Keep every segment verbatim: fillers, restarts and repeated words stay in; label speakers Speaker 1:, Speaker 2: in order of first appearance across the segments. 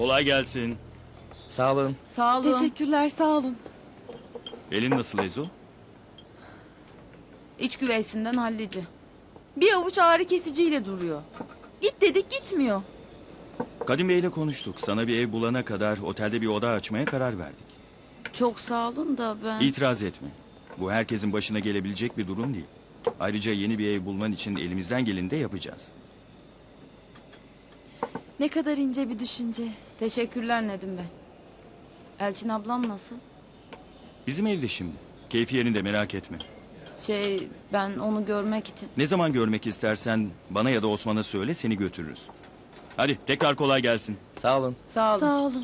Speaker 1: Kolay gelsin.
Speaker 2: Sağ olun.
Speaker 3: Sağ olun.
Speaker 4: Teşekkürler, sağ olun.
Speaker 1: Elin nasıl Ezo?
Speaker 3: İç güveysinden hallici.
Speaker 4: Bir avuç ağrı kesiciyle duruyor. Git dedik gitmiyor.
Speaker 1: Kadim Bey'le konuştuk. Sana bir ev bulana kadar otelde bir oda açmaya karar verdik.
Speaker 3: Çok sağ olun da ben...
Speaker 1: İtiraz etme. Bu herkesin başına gelebilecek bir durum değil. Ayrıca yeni bir ev bulman için elimizden geleni de yapacağız.
Speaker 4: Ne kadar ince bir düşünce.
Speaker 3: Teşekkürler Nedim Bey. Elçin ablam nasıl?
Speaker 1: Bizim evde şimdi. Keyfi yerinde, merak etme.
Speaker 3: Şey, ben onu görmek için...
Speaker 1: Ne zaman görmek istersen bana ya da Osman'a söyle, seni götürürüz. Hadi tekrar kolay gelsin.
Speaker 2: Sağ olun.
Speaker 3: Sağ olun.
Speaker 4: Sağ olun.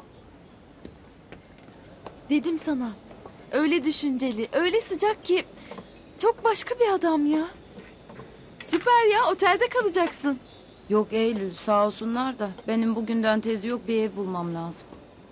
Speaker 4: Dedim sana. Öyle düşünceli, öyle sıcak ki... Çok başka bir adam ya. Süper ya, otelde kalacaksın.
Speaker 3: Yok Eylül, sağ olsunlar da benim bugünden tezi yok, bir ev bulmam lazım.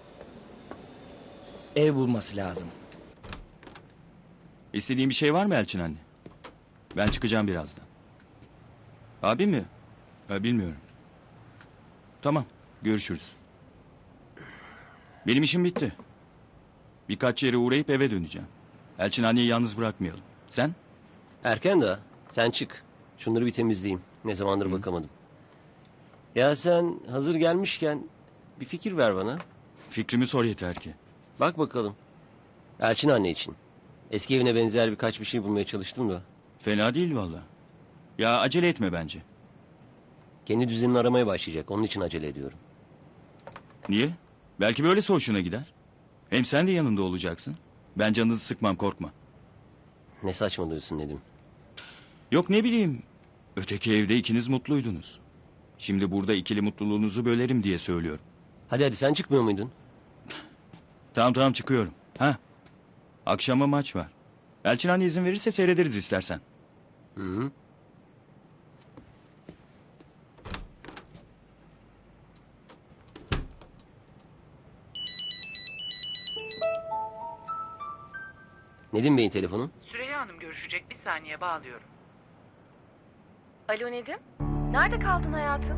Speaker 2: Ev bulması lazım.
Speaker 1: İstediğin bir şey var mı Elçin anne? Ben çıkacağım birazdan. Abi mi? Ha, bilmiyorum. Tamam, görüşürüz. Benim işim bitti. Birkaç yere uğrayıp eve döneceğim. Elçin anneyi yalnız bırakmayalım. Sen?
Speaker 5: Erken daha. Sen çık. Şunları bir temizleyeyim. Ne zamandır Hı. bakamadım. Ya sen hazır gelmişken bir fikir ver bana.
Speaker 1: Fikrimi sor yeter ki.
Speaker 5: Bak bakalım. Elçin anne için. Eski evine benzer birkaç bir şey bulmaya çalıştım da.
Speaker 1: Fena değil valla. Ya acele etme bence.
Speaker 5: Kendi düzenini aramaya başlayacak. Onun için acele ediyorum.
Speaker 1: Niye? Belki böylesi hoşuna gider. Hem sen de yanında olacaksın. Ben canınızı sıkmam, korkma.
Speaker 5: Ne saçmalıyorsun Nedim.
Speaker 1: Yok ne bileyim. Öteki evde ikiniz mutluydunuz. Şimdi burada ikili mutluluğunuzu bölerim diye söylüyorum.
Speaker 5: Hadi hadi sen çıkmıyor muydun?
Speaker 1: Tamam tamam çıkıyorum. Ha? Akşama maç var. Elçin anne izin verirse seyrederiz istersen.
Speaker 5: Hı hı. Nedim Bey'in telefonu.
Speaker 6: Süreyya Hanım görüşecek, bir saniye bağlıyorum.
Speaker 7: Alo Nedim? Nerede kaldın hayatım?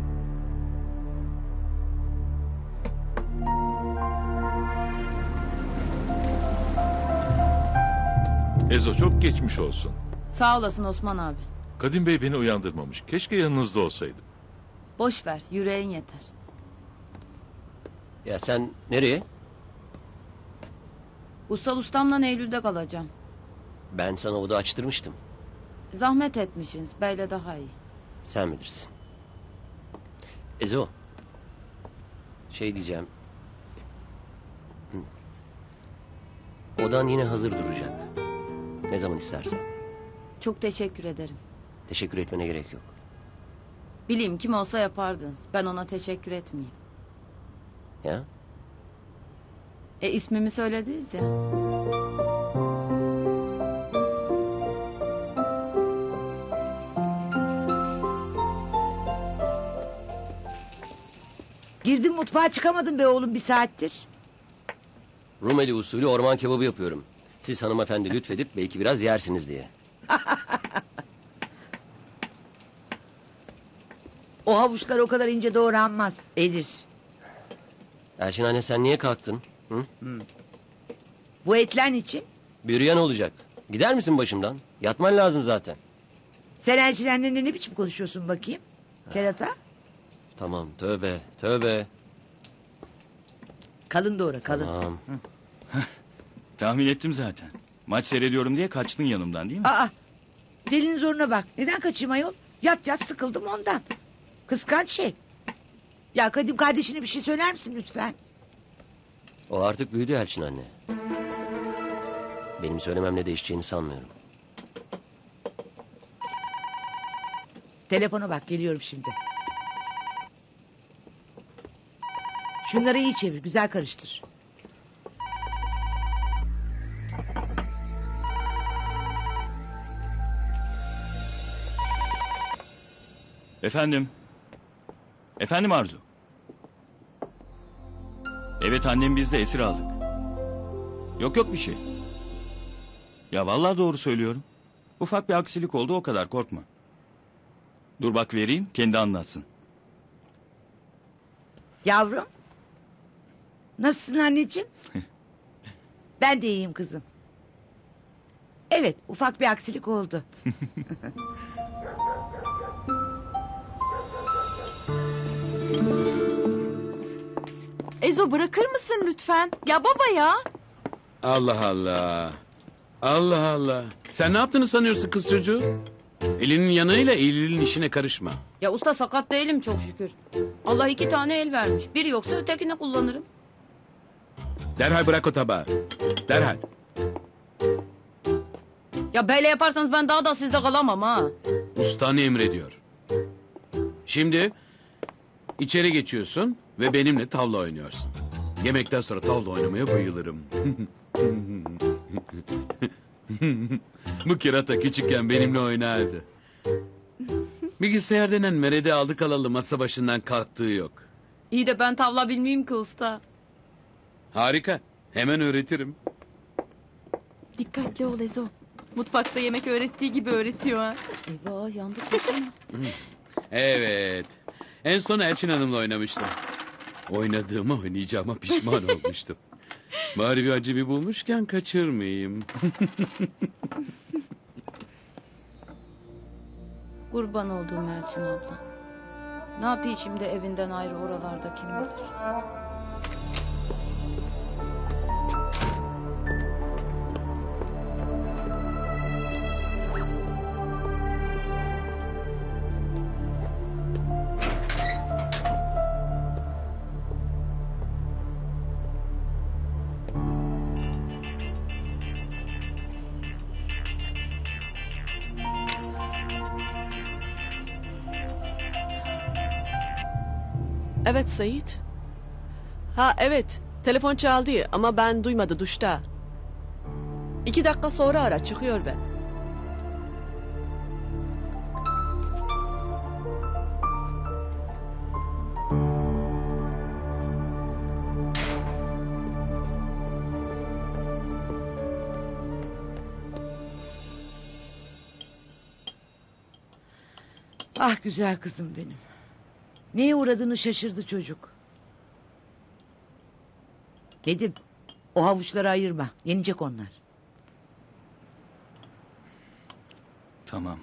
Speaker 8: Ezo çok geçmiş olsun.
Speaker 3: Sağ olasın Osman abi.
Speaker 8: Kadim Bey beni uyandırmamış. Keşke yanınızda olsaydım.
Speaker 3: Boş ver, yüreğin yeter.
Speaker 5: Ya sen nereye?
Speaker 3: Ussal ustamla Eylül'de kalacağım.
Speaker 5: Ben sana oda açtırmıştım.
Speaker 3: Zahmet etmişsiniz, beyle daha iyi.
Speaker 5: Sen bilirsin. Ezo. Şey diyeceğim. Hı. Odan yine hazır duracak. Ne zaman istersen.
Speaker 3: Çok teşekkür ederim.
Speaker 5: Teşekkür etmene gerek yok.
Speaker 3: Bileyim kim olsa yapardınız. Ben ona teşekkür etmeyeyim.
Speaker 5: Ya?
Speaker 3: E ismimi söylediniz ya.
Speaker 9: Girdim mutfağa çıkamadım be oğlum bir saattir.
Speaker 5: Rumeli usulü orman kebabı yapıyorum. Siz hanımefendi lütfedip belki biraz yersiniz diye.
Speaker 9: O havuçlar o kadar ince doğranmaz. Erir.
Speaker 5: Elçin anne sen niye kalktın? Hı?
Speaker 9: Hmm. Bu etler için?
Speaker 5: Büryan olacak. Gider misin başımdan? Yatman lazım zaten.
Speaker 9: Sen Elçin annenle ne biçim konuşuyorsun bakayım? Kerata?
Speaker 5: Tamam tövbe tövbe.
Speaker 9: Kalın doğra kalın.
Speaker 5: Tamam.
Speaker 1: Tahmin ettim zaten. Maç seyrediyorum diye kaçtın yanımdan değil mi?
Speaker 9: Aa, delinin zoruna bak. Neden kaçayım ayol? Yat yat sıkıldım ondan. Kıskanç şey. Ya Kadim kardeşine bir şey söyler misin lütfen?
Speaker 5: O artık büyüdü Elçin anne. Benim söylememle değişeceğini sanmıyorum.
Speaker 9: Telefona bak geliyorum şimdi. Şunları iyi çevir güzel karıştır.
Speaker 1: Efendim? Efendim Arzu? Evet annem biz de esir aldık. Yok yok bir şey. Ya vallahi doğru söylüyorum. Ufak bir aksilik oldu o kadar korkma. Dur bak vereyim kendi anlatsın.
Speaker 9: Yavrum. Nasılsın anneciğim? Ben de iyiyim kızım. Evet, ufak bir aksilik oldu.
Speaker 4: Ezo bırakır mısın lütfen? Ya baba ya.
Speaker 10: Allah Allah. Allah Allah. Sen ne yaptığını sanıyorsun kız çocuğu? Elinin yanıyla eğilinin işine karışma.
Speaker 3: Ya usta sakat değilim çok şükür. Allah iki tane el vermiş. Biri yoksa ötekini kullanırım.
Speaker 10: Derhal bırak o tabağı. Derhal.
Speaker 3: Ya böyle yaparsanız ben daha da sizde kalamam ha.
Speaker 10: Ustan emrediyor. Şimdi içeri geçiyorsun ve benimle tavla oynuyorsun. Yemekten sonra tavla oynamaya bayılırım. Bu kerata küçükken benimle oynardı. Bilgisayar denen merede aldık alalı masa başından kalktığı yok.
Speaker 3: İyi de ben tavla bilmeyeyim ki usta.
Speaker 10: Harika. Hemen öğretirim.
Speaker 4: Dikkatli ol Ezo. Mutfakta yemek öğrettiği gibi öğretiyor ha.
Speaker 3: Eyvah yandık desene.
Speaker 10: Evet. En son Elçin Hanım'la oynamıştım. Oynadığıma oynayacağıma pişman olmuştum. Bari bir acı bir bulmuşken kaçırmayayım.
Speaker 3: Kurban olduğum Elçin abla. Ne yapayım şimdi evinden ayrı oralarda kim bilir.
Speaker 11: Evet Sait. Ha evet. Telefon çaldı ama ben duymadı duşta. İki dakika sonra ara çıkıyor ben.
Speaker 9: Ah güzel kızım benim. Neye uğradığını şaşırdı çocuk. Dedim, o havuçları ayırma. Yenecek onlar.
Speaker 1: Tamam.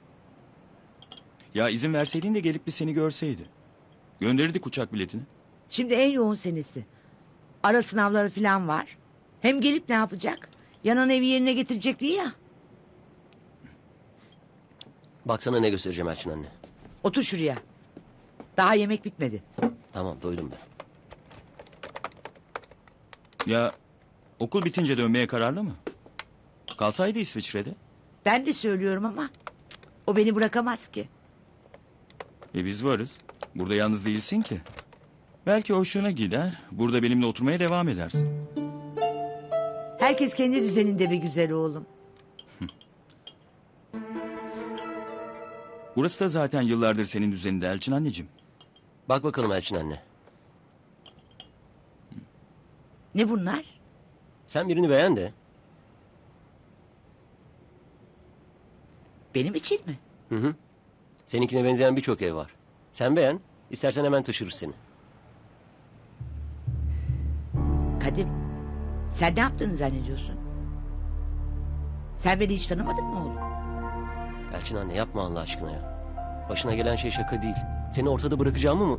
Speaker 1: Ya izin verseydin de gelip bir seni görseydi. Gönderirdik uçak biletini.
Speaker 9: Şimdi en yoğun senesi. Ara sınavları falan var. Hem gelip ne yapacak? Yanan evi yerine getirecek diye ya.
Speaker 5: Baksana ne göstereceğim Elçin anne.
Speaker 9: Otur şuraya. Daha yemek bitmedi.
Speaker 5: Tamam doydum ben.
Speaker 1: Ya okul bitince dönmeye kararlı mı? Kalsaydı İsviçre'de.
Speaker 9: Ben de söylüyorum ama o beni bırakamaz ki.
Speaker 1: E biz varız. Burada yalnız değilsin ki. Belki hoşuna gider. Burada benimle oturmaya devam edersin.
Speaker 9: Herkes kendi düzeninde be güzel oğlum.
Speaker 1: Burası da zaten yıllardır senin düzeninde Elçin anneciğim.
Speaker 5: Bak bakalım Elçin anne.
Speaker 9: Ne bunlar?
Speaker 5: Sen birini beğen de.
Speaker 9: Benim için mi?
Speaker 5: Hı hı. Seninkine benzeyen birçok ev var. Sen beğen. İstersen hemen taşırır seni.
Speaker 9: Kadim, sen ne yaptığını zannediyorsun? Sen beni hiç tanımadın mı oğlum?
Speaker 5: Elçin anne yapma Allah aşkına ya. Başına gelen şey şaka değil. Seni ortada bırakacağımı mı?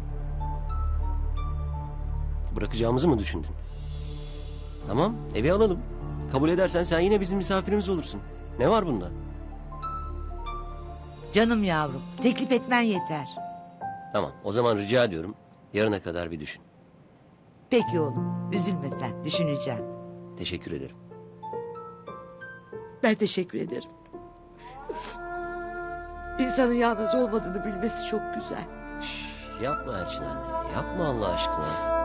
Speaker 5: Bırakacağımızı mı düşündün? Tamam, evi alalım. Kabul edersen sen yine bizim misafirimiz olursun. Ne var bunda?
Speaker 9: Canım yavrum, teklif etmen yeter.
Speaker 5: Tamam, o zaman rica ediyorum. Yarına kadar bir düşün.
Speaker 9: Peki oğlum, üzülme sen, düşüneceğim.
Speaker 5: Teşekkür ederim.
Speaker 9: Ben teşekkür ederim. İnsanın yalnız olmadığını bilmesi çok güzel.
Speaker 5: Şş, yapma Elçin anne. Yapma Allah aşkına.